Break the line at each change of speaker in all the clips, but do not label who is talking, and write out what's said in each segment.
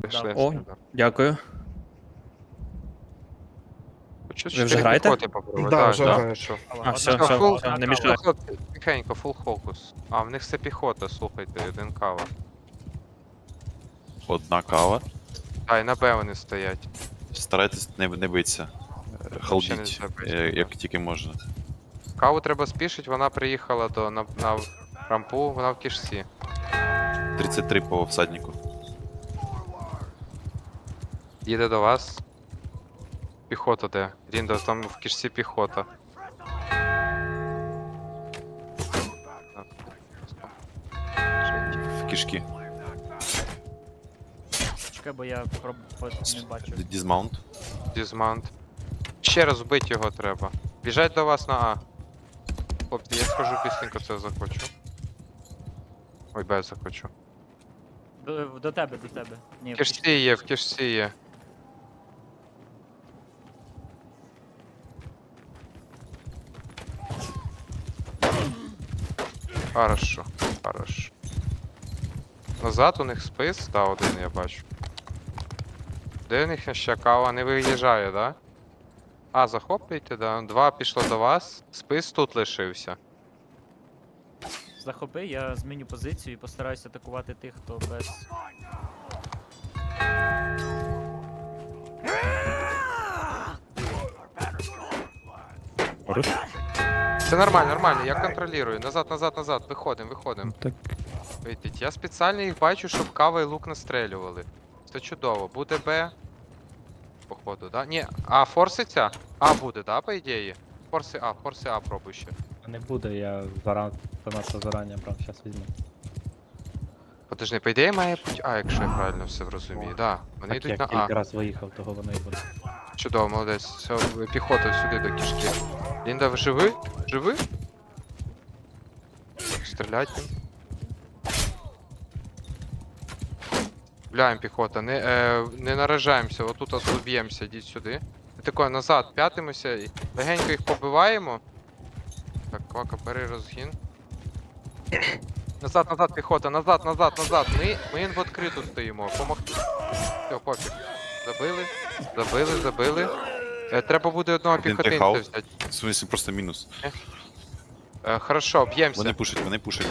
Пішли.
О, дякую.
Чуть
Ви вже
4
граєте?
піхоти попробуй.
Да,
Да,
вже
да,
граю.
що?
А, все,
Все, фул,
все, не мішай.
хлопці, тихенько, фул фокус. А, в них це піхота, слухайте, один кава.
Одна кава.
А, і на Б вони стоять.
Старайтесь не битися.
не
Халдіть,
забити.
як тільки можна.
Каву треба спішити, вона приїхала на рампу, вона в кішці.
33 по всаднику.
Їде до вас. Піхота де? Ріндо, там в кішці піхота.
В кишки.
Чекай, бо я не бачу.
Дізмаунт.
Дізмант. Ще раз вбити його треба. Біжать до вас на А. Хлопці, я скажу пісенько це захочу. Ой, Б захочу.
До тебе, до тебе. Ні,
В кишці є, в кишці є. Хорошо, хорошо. Назад у них спис, да, один я бачу. Де у них ще кава не виїжджає, да? А, захоплюйте, да. Два пішло до вас. Спис тут лишився.
захопи, я зміню позицію і постараюся атакувати тих, хто без.
Хорош.
Це нормально, нормально, я контролюю. Назад, назад, назад. Виходимо, виходимо.
Так.
Вийдіть. Я спеціально їх бачу, щоб кава і лук настрелювали. Це чудово. Буде Б. Походу, да? Ні, А форситься? А буде, да, по ідеї? Форси А пробуй ще.
Не буде, я занадто зарані брав, зараз візьму.
Подожди, по ідеї має бути А, якщо я правильно все зрозумію. Да, вони
Так,
йдуть
я
на А.
кілька раз виїхав, того воно і буде.
Чудово, молодець. Все, піхота сюди до кішки. Лінда, ви живи? Живи? Стрілять їм. Гуляємо, піхота, не наражаємося, отут б'ємося, йдіть сюди. Тако, назад п'ятимося і легенько їх побиваємо. Так, квака, бери розгін. Назад, назад, піхота, назад, назад, назад. Ми в відкриту стоїмо. Помогти. Все, пофіг. Забили. Треба буде одного
Один
піхотинця
техаут.
взяти.
В смысле, просто мінус.
Хорошо, б'ємося.
Вони пушать.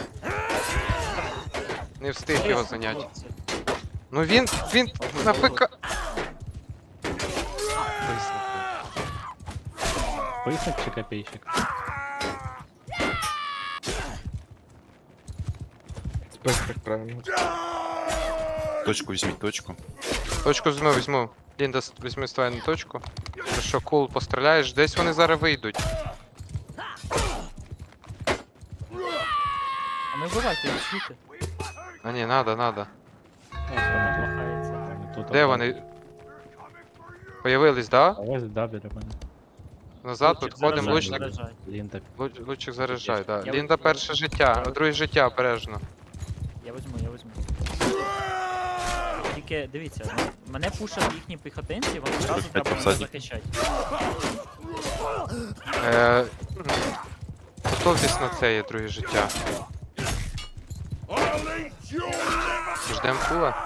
Не встиг його зайняти. Ну він на ПК.
Писок чи копійщик?
Спис так правильно.
Точку візьміть, точку.
Точку візьму. Лінда, візьми ствайну точку. Хорошо, кул, постріляєш. Десь вони зараз вийдуть.
А не вбивайте, відчуйте.
А ні, надо.
Ось вона плахається.
Вони тут
Де
одна.
вони? Появились, да?
А ось, да, біля мене.
Назад підходимо,
Заряджай,
лучник.
заряджай.
Лінтак.
Лучик заряджай, да.
Я
Лінда
візьму.
перше життя, а друге життя обережно.
Я візьму. Тільки дивіться, мене пушать їхні піхотинці, вони одразу
45
треба мене
посадник.
захищати.
Готовтесь на це є друге життя. Ждем кула.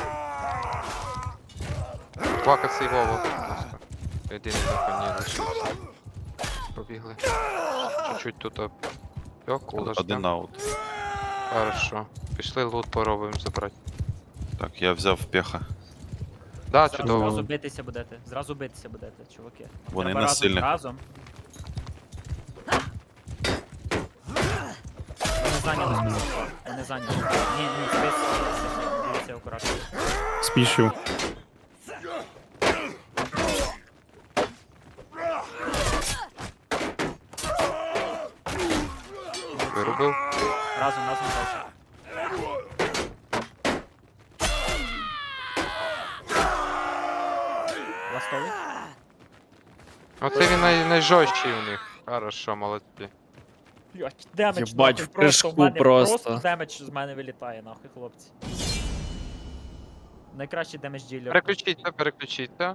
Квака цей Вова, будь ласка. Єдиний на коні лишився. Побігли. Чуть-чуть тут кула
Один
ждем.
аут.
Хорошо. Пішли лут поробимо забрати.
Так, я взяв пеха.
Да,
Зразу
чудово.
битися будете, чуваки.
Вони
Треба
не
разом,
сильні.
разом. Вони зайняли список. Вони зайняли. Ні, список. Дивіться акуратно.
Спішу.
Вирубив.
Разом дальше. Ластовий?
Оце він найжорсткий у них. Хорошо, молодці.
Демедж,
Єбать,
нахуй,
в прыжку
в мене
просто.
демедж з мене вилітає, нахуй, хлопці. Найкращий демедж ділер.
Переключіться.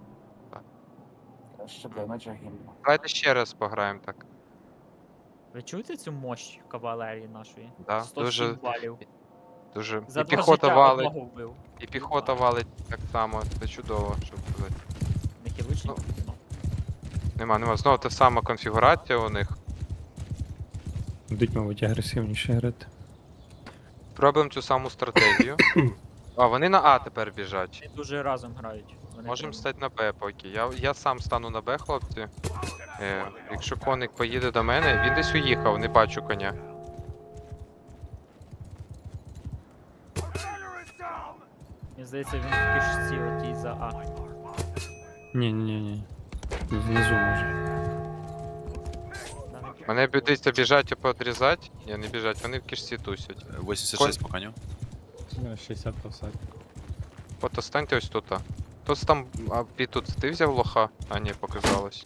Давайте ще раз пограємо так.
Ви чуєте цю мощь кавалерії нашої?
Да,
107
дуже-
балів.
Дуже.
За
І
2
піхота
життя
валить,
одного вбив.
і піхота валить так само. Це чудово, що сказати.
Не хіличник? Ну.
Нема. Знову та сама конфігурація у них.
Будуть, мабуть, агресивніше грати.
Пробуємо цю саму стратегію. А, вони на А тепер біжать.
Вони дуже разом грають. Вони
Можемо
прям-
стати на Б поки. Я сам стану на Б, хлопці. Якщо коник поїде до мене, він десь уїхав, не бачу коня.
Мені здається, він в кишці отій за А.
Ні. Внизу може.
Да,
Мене дивіться, біжать і подрізати. Ні, не біжать, вони в кишці тусять.
86 по коню.
У мене 60 посадь.
От станьте ось тут. Хтось там, а тут ти взяв лоха? А ні, показалось.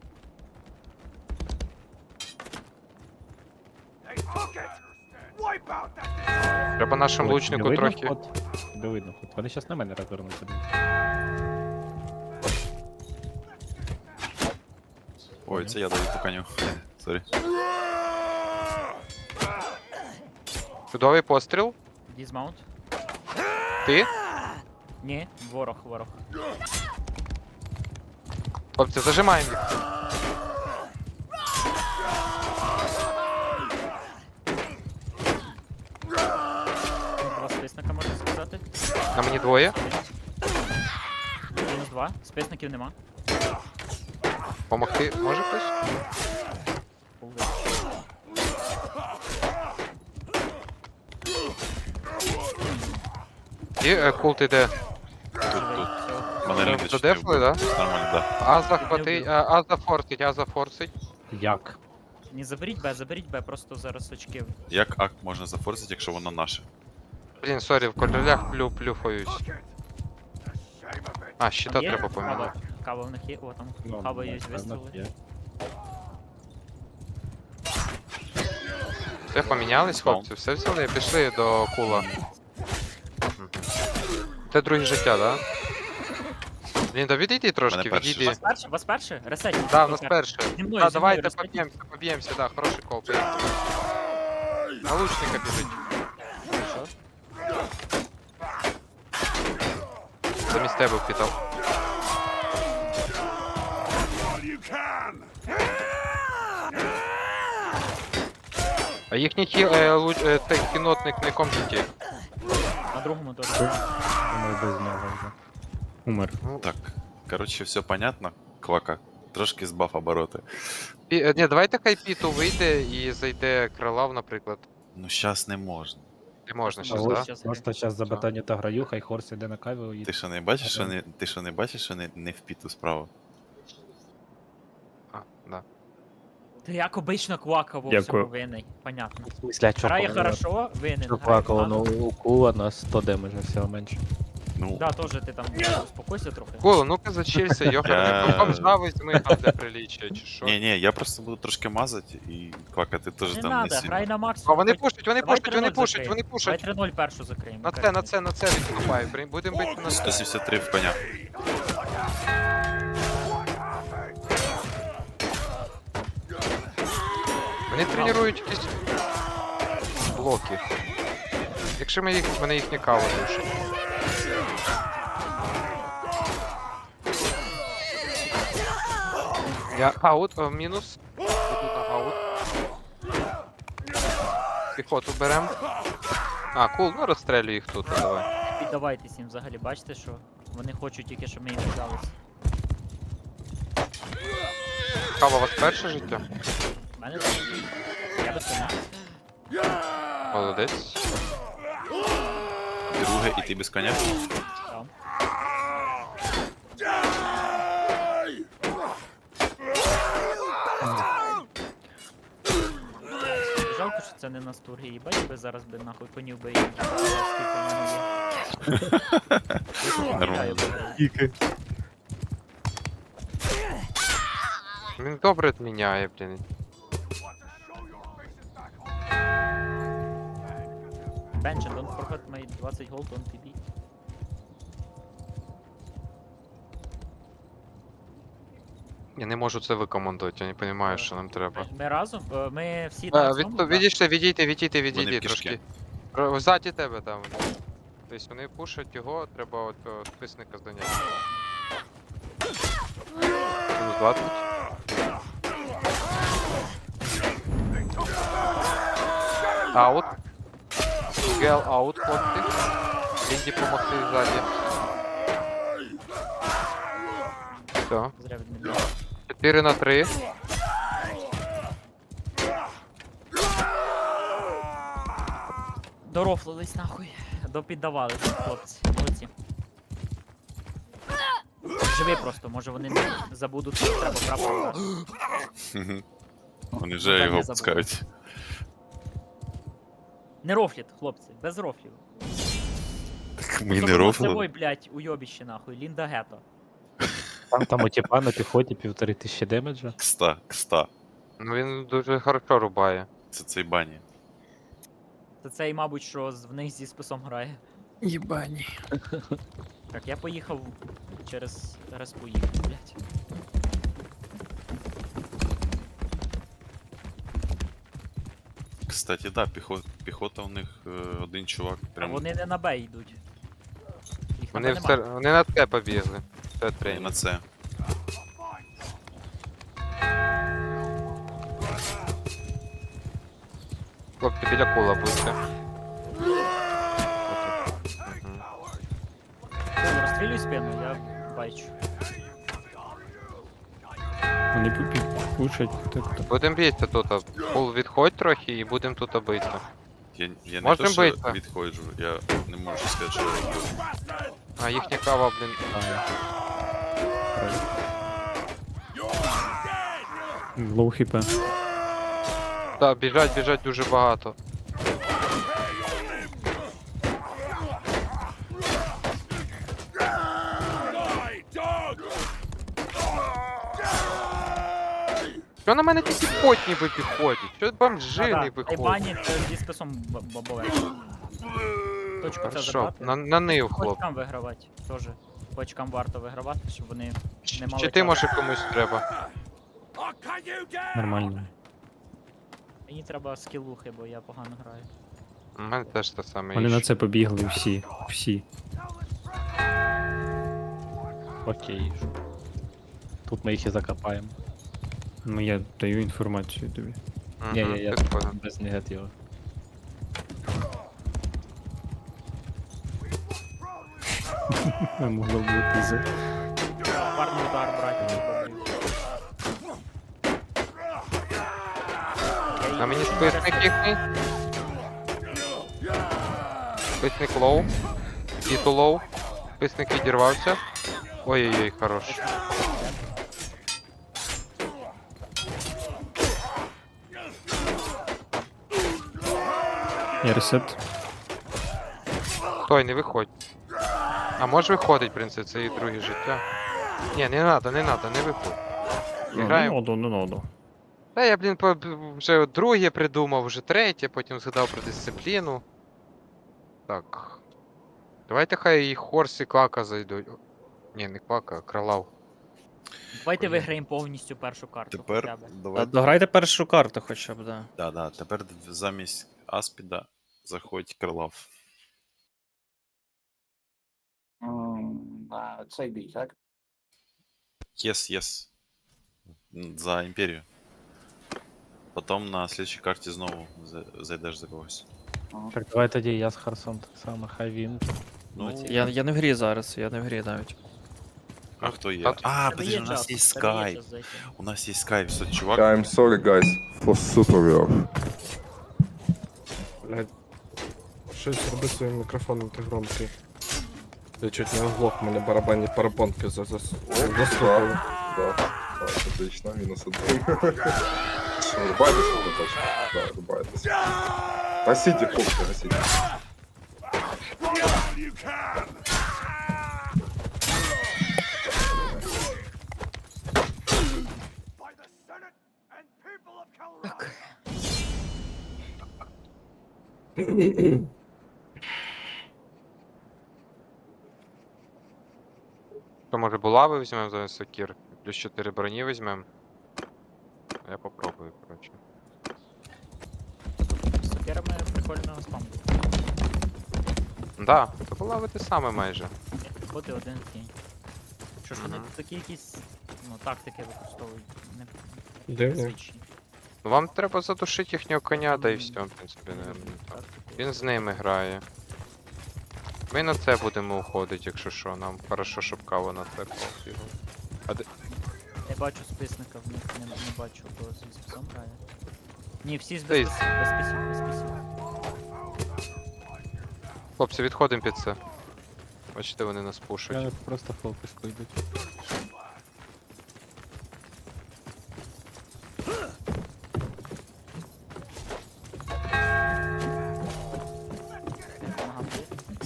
Треба нашому лучнику трохи.
Не видно ход. Вони зараз на мене розвернуться.
Ой, це я даю по коню. Сорі.
Чудовий постріл.
Дізмаунт.
Ти?
Ні, ворог.
Хлопці, зажимаємо їх.
Два списника, можна сказати.
На мені двоє.
Мінус 2. Списників нема.
Помогти може хтось?
Пулдер.
І култ іде.
Тут.
Все.
Мене люди
Додефли, да?
Нормально, да.
А захватить, а зафорсить.
Як?
Не заберіть Б, просто зараз очки.
Як ак можна зафорсити, якщо воно наше?
Блін, сорі, в королях плюфаюсь. А, щита
Є?
треба поміняти.
Кава в них є, о там
Ну,
кава є
напевно,
вистріли.
є.
Все помінялись,
Спам.
хлопці, все взяли, пішли до кула. Це друге життя, да? Блін, да відійди трошки,
Мене перший.
відійди.
Вас перше? Ресеть.
Да, у нас перше.
Зі мною,
Да,
зі
давайте
мною розходіть.
поб'ємося, да, хороший кол. поїхали. На лучника біжить.
Що?
Замість тебе впітав. А їхній цей кінотник на якому житті?
На другому теж.
Думаю, без нього вже. Умер.
Так, коротше, все понятно. Квака. Трошки збав обороти.
Ні, давайте хай Піту вийде і зайде Крилав, наприклад.
Ну, щас не можна.
Не можна
А
щас,
Ось
да?
щас
Просто зараз за батані та граю, хай Хорс іде на каві і
Ти що не бачиш, що не в піту справа?
А, да.
Ти як обично квака во всьому
Дякую.
винний. Понятно.
в смислі, а
Грає хорошо, винен.
Що
грає
плакало,
погано.
ну у кула на 100 демеджа всього менше.
Ну,
Да, теж ти там успокойся трохи.
Коло, ну-ка зачилься, йохар,
Я-
бомжа візьми там для приліччя, чи що?
ні, я просто буду трошки мазати, і Квака, ти теж
Не
там
надо,
не
грай
сильно.
на максимум.
А вони
Хоч-
пушать, вони
Давай
пушать, вони
3:0
пушать,
закриємо.
вони пушать.
Давай 3-0 першу закриємо.
На це відступай, будемо бити на це.
173 в коня.
Вони тренують якісь блоки. Якщо мене їхня кава душить. Я аут, мінус. Іду на аут. Піхоту берем. А, кул, ну розстрелюй їх тут, давай.
Піддавайтесь їм взагалі, бачите, що вони хочуть тільки, щоб ми їм віддалися.
Кава, у вас перше життя?
У мене так. Я без коня.
Молодець.
Друге, і ти без коня.
Там. Жалко, що це не настурги, їбать би зараз би нахуй конів би їм. Скільки в мене є.
Нормально.
Він добре міняє, блін.
Bench, don't forget my 20 gold on TB.
Я не можу це викомандувати, я не розумію, що нам треба.
Ми разом? Ми всі на цьому, да?
Відійшли, відійти
Вони в
трошки.
кишки.
Ззаді тебе там. Тобто вони пушать його, треба от цього списника зайняти. Мінус 20. Аут. Гел аут, хлопці. Лінді помогти ззаді. Все.
Зря відмінив.
4 на 3.
Дорофлились нахуй. Допіддавалися, хлопці. Молодці. Живи просто, може вони не забудуть, що треба прапор дати.
Вони вже
Та
його
не забули.
пускають.
Не рофлять, хлопці, без рофлів.
Так ми не
Ой,
рофли.
блядь, уйобіще нахуй, Лінда Гето.
Там у тіпа на піхоті 1500 демеджа.
Кста.
Ну він дуже хорошо рубає.
Це цей бані.
Це цей, мабуть, що в них зі списом грає.
Єбані.
Так, я поїхав через респу їхав, блядь.
Кстати, да, піхота у них один чувак
А
прям
вони не на Б йдуть. Їх на
Вони,
Б
все,
нема.
вони на те побігли. Це
і
тренінг.
на це.
Хлопці біля кула будьте. Мгм.
Кул, розстрілюй спину, я бачу.
Вони пушать. Так.
Будем битися тут. Кул відходь трохи і будемо тут битися.
Я не
Можем
то, що
битися?
відходжу, я не можу сказати, що я роблю.
А їхня кава, блін.
Лоу хп.
Так, біжать дуже багато. Що на мене тільки потні виходять? Що бомжи не
Та й
виходять?
бані зі списом бобове. Точку це
Хорошо,
забрати.
на нив, хлоп.
Почкам вигравати. Тоже. Почкам варто вигравати, щоб вони не мали
Чи ти
часу.
може комусь треба?
Нормально.
Мені треба скілухи, бо я погано граю.
У мене теж те саме.
Вони на
іще.
це побігли всі. Всі.
Окей. Тут ми їх і закопаємо.
Ну я даю інформацію тобі.
Мгм,
Ні, я
підходимо.
без негативу.
Могло бути за.
Парний удар брати.
А мені списник їхній. Списник лоу. Тіту лоу. Списник відірвався. Ой-ой-ой, хорош.
Я ресет.
Стой, не виходь. А може виходить, в принципі, це і друге життя. Ні, не надо, не виходь. Граємо.
Не надо.
Та я, блін, вже друге придумав, вже третє, потім згадав про дисципліну. Так. Давайте хай і Хорс і Клака зайдуть.Ні, не Клака, а Кралав.
Давайте виграємо повністю першу карту.
Тепер
хоча б.
давай.
Дограйте першу карту хоча б, да.
Да, тепер замість Аспіда заходь Крилав.
Цей бій, так?
Yes. За імперію. Потім на слідчій карті знову зайдеш за когось.
Так, давай тоді я з Харсон так само, хай він.
Ну,
Я не в грі зараз, я не в грі навіть.
а хто є?
Та-
А,
Тебе
подожди, у нас
час,
є
тебе є
скайп.
час зайти.
У нас є скайп, все, чувак.
I'm sorry, guys, for superior.
Блядь. Щось роби своїм мікрофоном, ти громкий. Я чуть не оглох, мене барабанні парабонки заслухали.
Да, так, отлично, мінус один. Що, рубаєтесь на точку? Да, рубаєтесь. Гасіть їх, хлопці, гасіть.
То може булави візьмемо за сокір, плюс 4 броні візьмемо. Я попробую, коротше.
З сокирами прикольно спам.
Да, то була ви те саме майже.
Боти один кінь. Що ж вони
Мгм.
такі якісь, ну, тактики використовують, не
Дивні.
звичні.
Ну, вам треба задушити їхнього коня, да і все, в принципі, не. Він з ними грає. Ми на це будемо уходити, якщо що, нам хорошо, щоб кава на це побігла.
Я бачу списника, в них не бачу, кого зі списом грає. Ні, всі з
Та й-
без списів, без списів, без списів.
Хлопці, відходимо під це. Бачите, вони нас пушать.
Вони просто фокус пойдуть.
Помагав ти.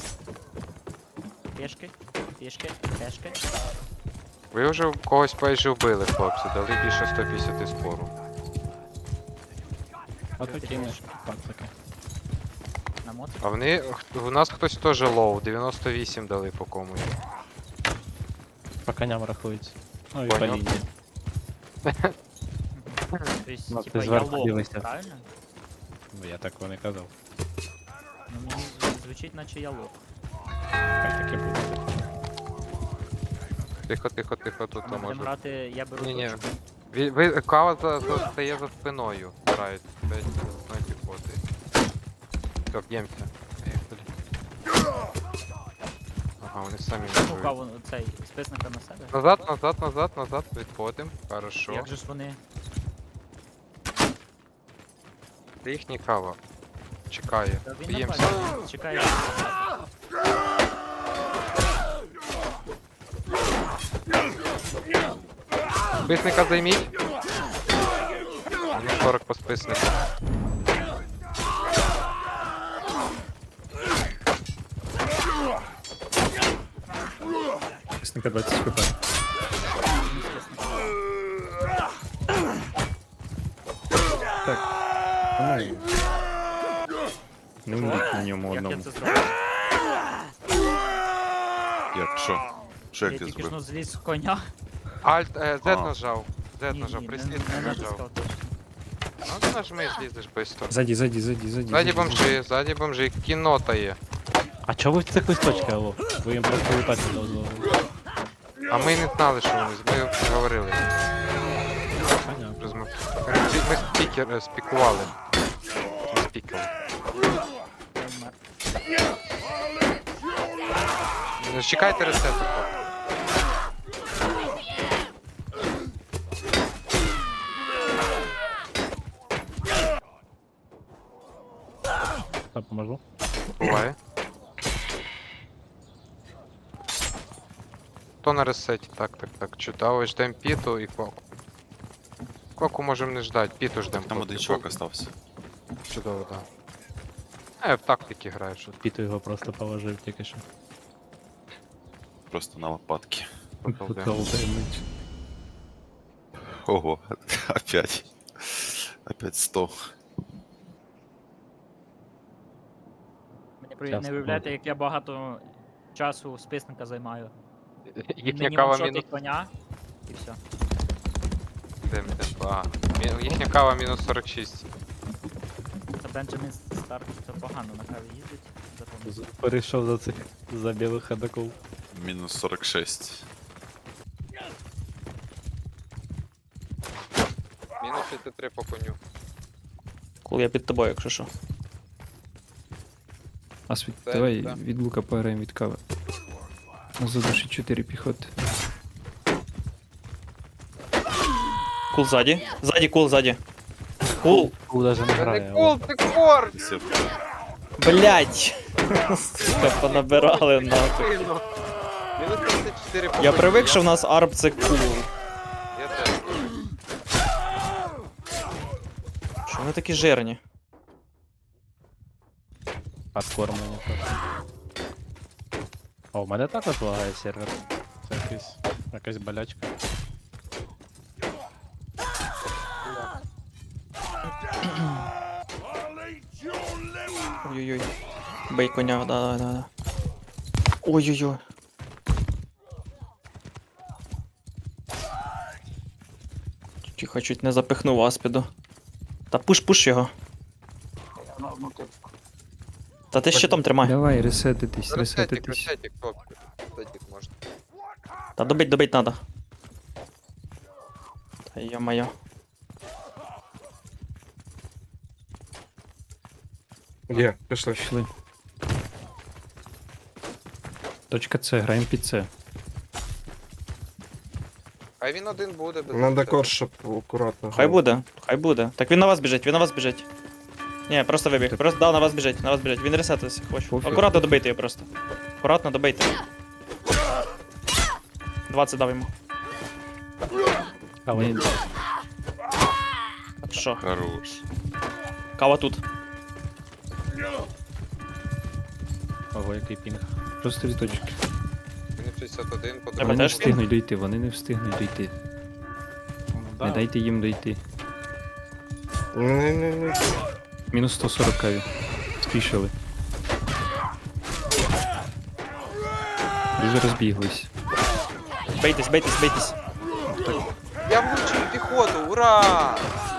Пішки, пішки, пешки.
Ви вже когось майже вбили, хлопці, дали більше 150 спору.
А то кинеш пацаки.
На моц.
А вони. У нас хтось теж лоу, 98 дали по комусь.
По коням рахується. Ну і
Понял.
по лінії.
Тобто,
Ну,
типа,
ти
я
зверху
лов,
дивишся.
правильно?
Ну я такого не казав.
Ну, мені звучить, наче я лов.
Хай таке буде.
Тихо, тихо, тихо, тут
Ми будемо
може.
грати, я беру
Ні-ні.
точку.
Кава стає за спиною. Грають. Стоять за спиною піхоти. Все, б'ємося. Ага, вони самі не
Ну,
живуть.
каву, цей, списника на себе.
Назад, назад, назад, назад. Відходимо. Хорошо.
Як же ж вони...
Це їхній кава. Чекає.
Та він
Б'ємося.
нападе, чекає.
Списника займіть. Мені 40 по списнику.
Чесника 20 хп. Ну, не вміть на ньому
Як я
одному.
це зробив?
Як, що? Що
Я
як ти
тільки ж ну
зробив?
зліз з коня.
Альт, Z
А.
нажав. Z
Ні,
нажав,
ні,
прислід
не
нажав.
натискав точно.
Ну ти нажми, злізеш швидко.
Ззаді.
Ззаді бомжи, кінота є.
А чого ви в цих листочках, алло? Ви їм просто летати не дозволили.
А ми не знали, що вони, ми говорили.
Понятно.
Ми спікували. Ми спікали.
Я вмер.
Ну, чекайте ресету, хлопці.
Та поможу.
Буває. Хто на ресеті? Так. Чудово, ждем піту і кваку. Кваку можемо не ждати, піту ждем.
Там один чувак остався.
Чудово, так. В тактики граєш.
Піту його просто положив тільки що.
Просто на лопатки.
Поколден.
Колденич.
Ого, опять. Опять 100.
Мені
Часто
не виявляєте, як я багато часу списника займаю.
Їхня
Мені
кава
ваншотить
мінус.
коня, і все.
Йдем. Їхня кава мінус 46.
Це Бенджамін Старк, це погано на каві їздить. Запомніть.
Перейшов за цих за білих ходаков.
Мінус 46.
Мінус 63 по коню.
Кул, я під тобою, якщо що.
Асвіт,
Це,
давай
да.
від лука пограємо від кави. Задушить 4 піхоти.
Кул ззаді. Ззаді, кул, ззаді. Кул!
Кул даже не
Це
грає.
не
алло.
кул, це кор!
Все.
Блять! Сука, понабирали нахуй.
Мінус 34 по
Я
коню.
привик, що в нас арб це кул.
Я теж.
Що вони такі жирні?
Откормлені просто. О, у мене також лагає сервер. Це якась болячка.
Ой-ой-ой. Бей коня, да. Ой-ой-ой. Тихо, чуть не запихнув аспіду. Та пуш його. Та ти щитом тримай.
Давай, ресетитись,
Ресетик,
ресетитись.
ресетик, хлопці. Ресетик можна.
Та добить надо. Та йо-моє.
Є, пішли.
Пішли. Точка С, граємо під С.
Хай він один буде без
Ну,
Надо
ресетика.
корж, щоб акуратно.
Хай буде, хай буде. Так він на вас біжить, він на вас біжить. Ні, просто вибіг. Просто да, на вас біжить, на вас біжить. Він ресетився, хоче.
Пофіг.
Акуратно добийте його просто. Акуратно добийте. 20 дав йому.
Ні,
Так що,
Хорош.
кава тут.
Ого, який пінг.
просто від точки.
Мені 61,
Треба
Вони
по-другому.
не
теж
встигнуть дойти, вони не встигнуть дойти. Не дайте їм дойти.
Не.
Мінус 140 каві. Спішили. Дуже розбіглись.
Бейтесь, бейтесь, бейтесь.
Я влучив піхоту, ура!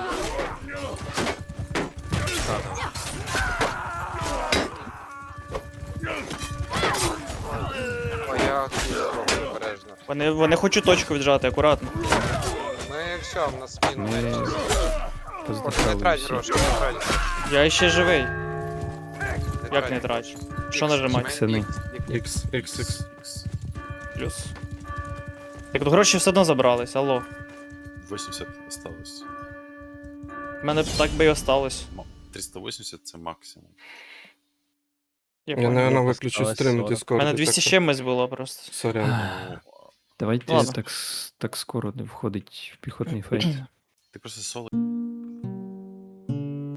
О, я тут зроблю обережно.
Вони хочуть точку віджати, акуратно.
Ми все, в нас спину.
Ми
Не
поздихали
трать
всі.
гроші, не трать.
Я ще живий.
Не
Як не трачу? Що
Ікс,
нажимати?
Сини.
Ікс, ікс.
X.
Плюс. Так тут гроші все одно забрались, алло.
80 осталось.
У мене б так би і осталось.
380 це максимум.
Я
Я,
понял.
наверное,
Осталось
виключу стрім
40.
в
У
Discord.
мене 200 з чимось було просто.
Сорян.
Давайте
Ладно.
так скоро не входить в піхотний фейт.
Ти просто соло